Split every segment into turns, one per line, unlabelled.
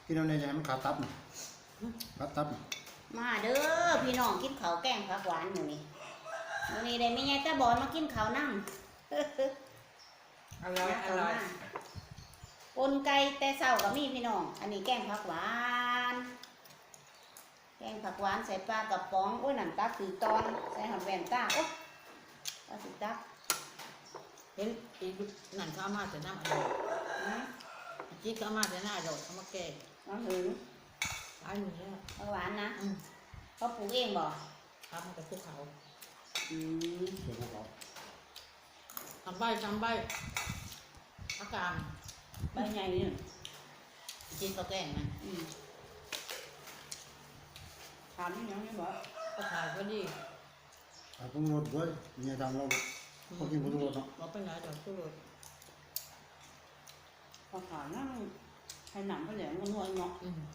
กินเอาในใจมันขาดตับน่ะขาดตับ
มาเด้อพี่น้องกินข้าวแกงผักหวานมื้อนี้ได้แม่ยายตาบอนมากินข้าวนำ
อร่อยอร่อย
ปนไก่แต่เช้าก็มีพี่น้องอันนี้แกงผักหวานแกงผักหวานใส่ปลากระป๋องโอ้ยน้ำตาลคือตอนใส่หอมแว่นตาโอ้ปลาสิตัก
เห็นอีกนั่นเขาเอามาแต่น้ำอร่อยจิ๊กเขาเอามาแต่น้ำอร่อยเขามาแกง
น้องหึง
ร้านนี้แล้ว
ผักหวานนะเขาปลูกเองบ่
ทำกับพวกเขา
เดี๋ยวพวกเขา
ทำใบอาการ
ใบใหญ่นี่
จิ๊กเขาแกงนะ
ถามนี่ยังไม่บอก
เขาขายก็ดี
ปรุงรสด้วยเนี่ยทำเราพอกินปรุงรสเนาะ
เราไปไหนเดี๋ยวสู้รส
พอถามนั่งให้หนังก็แหลมก็นวลเนาะ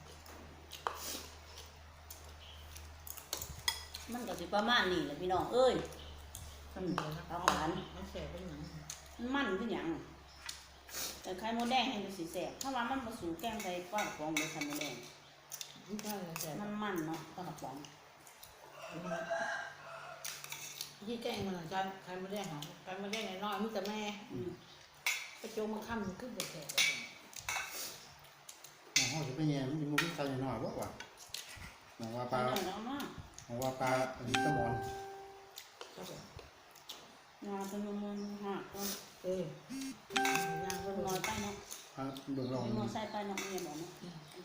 มันก็สิประมาณนี้แหละพี่น้องเอ้ย
ทำเดี๋ยวนะ
ผักหวาน
มันแสบเป็นหนัง
มันคือหยังแต่ไข่มดแดงให้ดูสีแสบถ้าว่ามันผสมแกงใส่ปลากระป๋องเลยไข่มดแดง
ไม่ใช่แสบ
มันเนาะปลากระป๋อง
ที่แกงมันจะใครมาแดงหรอใครมาแดงน้อยๆมิแต่แม่ไปโจมมาค่ำมันขึ้นไปแสบ
ห้องจะเป็นยังมันจะมุ้งใส่หน่อยว่าหนังว่าปลาหนังว่าปลาอันนี้ตะมอน
งาเป็นมันหัก
ย่างก็
น้อยไปเนาะ
เดือดร้อน
น้อยใส่ไปเนาะเนี่ยบอกเนาะ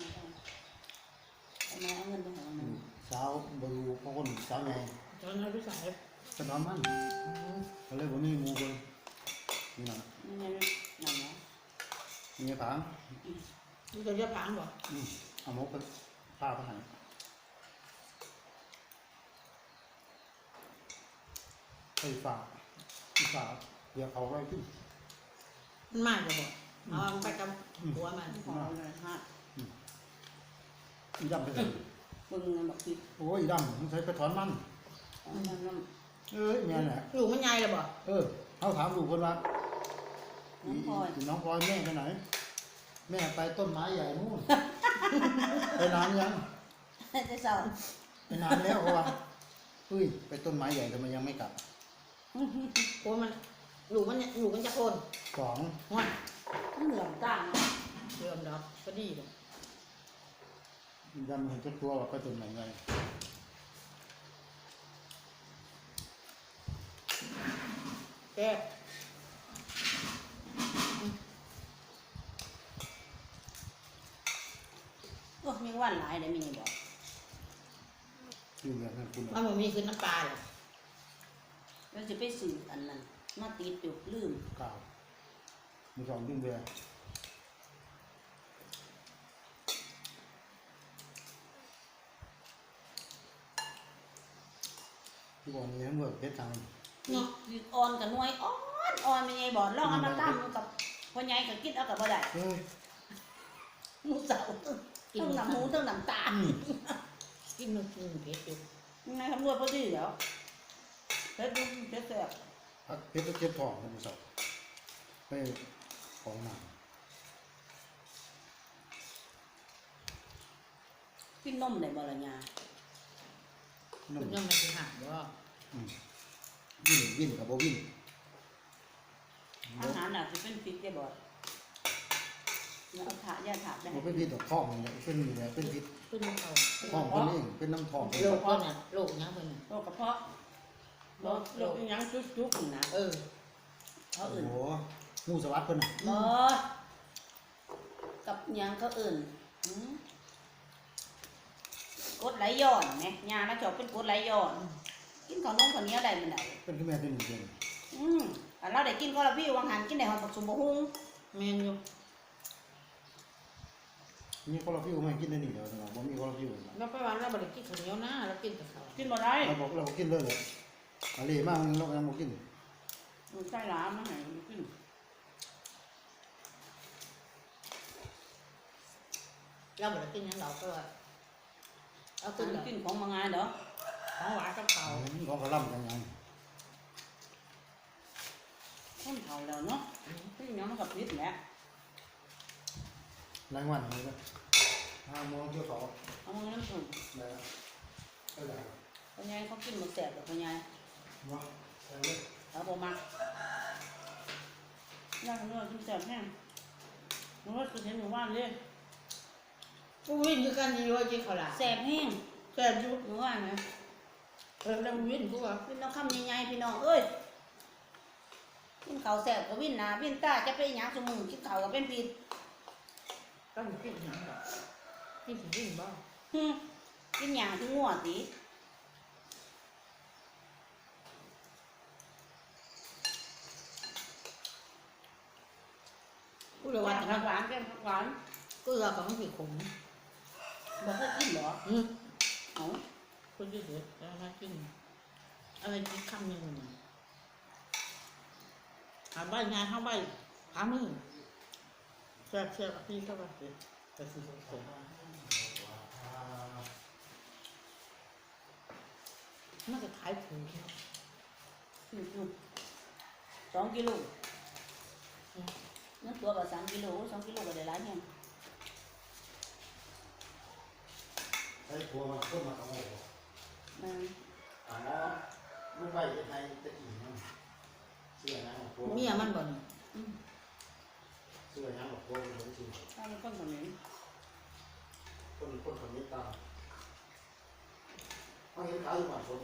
ทำไมเอาเงินไปหามัน
เช้าบรูเพราะคนเช้าไง
ตอนนั้นพี่สาย
จะนอนมันเขาเลยวันนี้มูเลยนี่นะ
นี่นั่นเนาะ
นี่ผัง
นี่จะเรียกผังบ่
เอาหมกไปผ้าไปหันไฟฟ้าเดี๋ยวเขาไว้ขึ้น
มันมากจะบอกเอาไปกับหัวมัน
ขอเลยฮะ
ดำไปเลย
มึงบอกผิด
โอ้ยดำมันใช้กระถอนมันแม่แหละ
ลูกมันใหญ่เลยบ่
เขาถามลูกคนว่าน้องพลอยแม่ไปไหนแม่ไปต้นไม้ใหญ่นู่นไปนานยัง
จะสอน
ไปนานแล้วเขาว่าไปต้นไม้ใหญ่ทำไมยังไม่กลับ
โอ้มันลูกมันจะคน
2
วัน
เหลืองต่าง
เริ่มดอกก็ดีเลย
ดำเห็นจะตัวว่าไปต้นไหนไง
แก่
โอ้มีวันหลายเลยมีบอก
อยู่แบบนั้นคุณ
มันมีคือน้ำปลาเลย
เราจะไปสื่ออันนั้นมาติดอยู่ลืม
กาวมี2ดึงเบียร์ที่บอกนี้ทั้งหมดเพชรทาง
เนาะอ่อนกับหน่วยอ่อนไม่ไงบอกลองเอามาตั้มกับพ่อใหญ่กับกินเอากับบ่ได้หมูเสาต้องหนังหมูต้องหนังตา
กินมันกินเผ็ดอยู่
ยังไงคำนวณพอดีแล้วเพชรดูเพชรแสบ
เพชรเจ็บท้องนะหมูเสาไปของหนัง
กินนมได้บ่ล่ะยา
คุณยังไม่ถึงหางว่า
วิ่งกับโบวิ่ง
อาหารน่ะจะเป็นพิษได้บ่เอาถาย่าถาได้
เป็นพิษต่อท้องเนี่ยเป็นอะไรเป็นพิษ
เป็นน้ำ
ท้องเป็นเองเป็นน้ำท้อง
โรคก็เนี่ยโรคยังเป็น
โรคกระเพาะโรคยังจุกๆนะเขาอื่น
โอ้งูสวัสดิ์คนน่ะ
กับยังเขาอื่นกดไหลย้อนไหมยาแล้วจบเป็นกดไหลย้อนกินข้าวนมข้าวเหนียวได้มันไหน
เป็นขึ้นแม่เป็นหนึ่งเดือน
เราได้กินก็เราพี่วางหันกินได้หอมผักสมบูรณ์
เมนอยู่
นี่ก็เราพี่ไม่กินได้หนึ่งเดียวนะผมมีก็เราพี่
เราไปวันเราบริกินข้าวเหนียวนะเรากินแต่ข้าว
กินบ่ได้
เรากินเลยอะไรมากเรายังไม่กิน
มันใช่หลามาให้กิน
เราบริกินยังเราก็
เอากินของมางานเด้อ
ของหวานกับเขา
ของกระลำยังไง
คนเขาแล้วเนาะพี่น้องมันกับพิษแหละ
รายวันเลยก็มองเที่ยวเขา
เอามือน้ำผึ้ง
ได้ก็ได้
พ่อใหญ่เขากินหมดแสบกับพ่อใหญ่
มาแต่เลย
เอาบ่มักย่างเนื้อกินแสบแห้งมันก็คือเห็นหมู่บ้านเลย
กูวิ่งด้วยกันอยู่ว่าจีเขาละ
แสบแห้ง
แซ่บอยู่
หมู่บ้านนะ
แล้ววิ่งกูว่า
พี่น้องคำใหญ่ๆพี่น้องเอ้ยกินข้าวแสบก็วิ่นหนาวิ่นตาจะไปหยังสมือกินข้าวก็เป็นผิด
ต้องกินหยังดอกกินถึงวิ่งบ้าง
กินหยังถึงงัวติ
กูเลย
ห
ว่า
วาน
แต่
หวานแก้มผักหวาน
กูเลยก็ต้องกินขม
บอกให้กินเหรอ
อืม
เอา
กูจะเสียแล้วมากินอะไรกินคำหนึ่งหาใบงานเข้าใบหามือแซ่บแซ่บพี่เข้าไปสิแต่สิผม น่าจะขายถูก
2 กิโลนั่นตัวก็3 กิโล2 กิโลก็ได้หลายแห่ง
ใช้ทัวร์มาขึ้นมาสองโมง
มัน
อ๋อไม่ไปยังไงจะอิ่มมั้งเสื้อนะทัวร์
เมียมันบ่น
เสื้อนะบอกทัวร์เป็นจริง
ถ้ามันคนคนนี้
คนคนนี้ตาเขาเห็นขายอยู่บ้านคน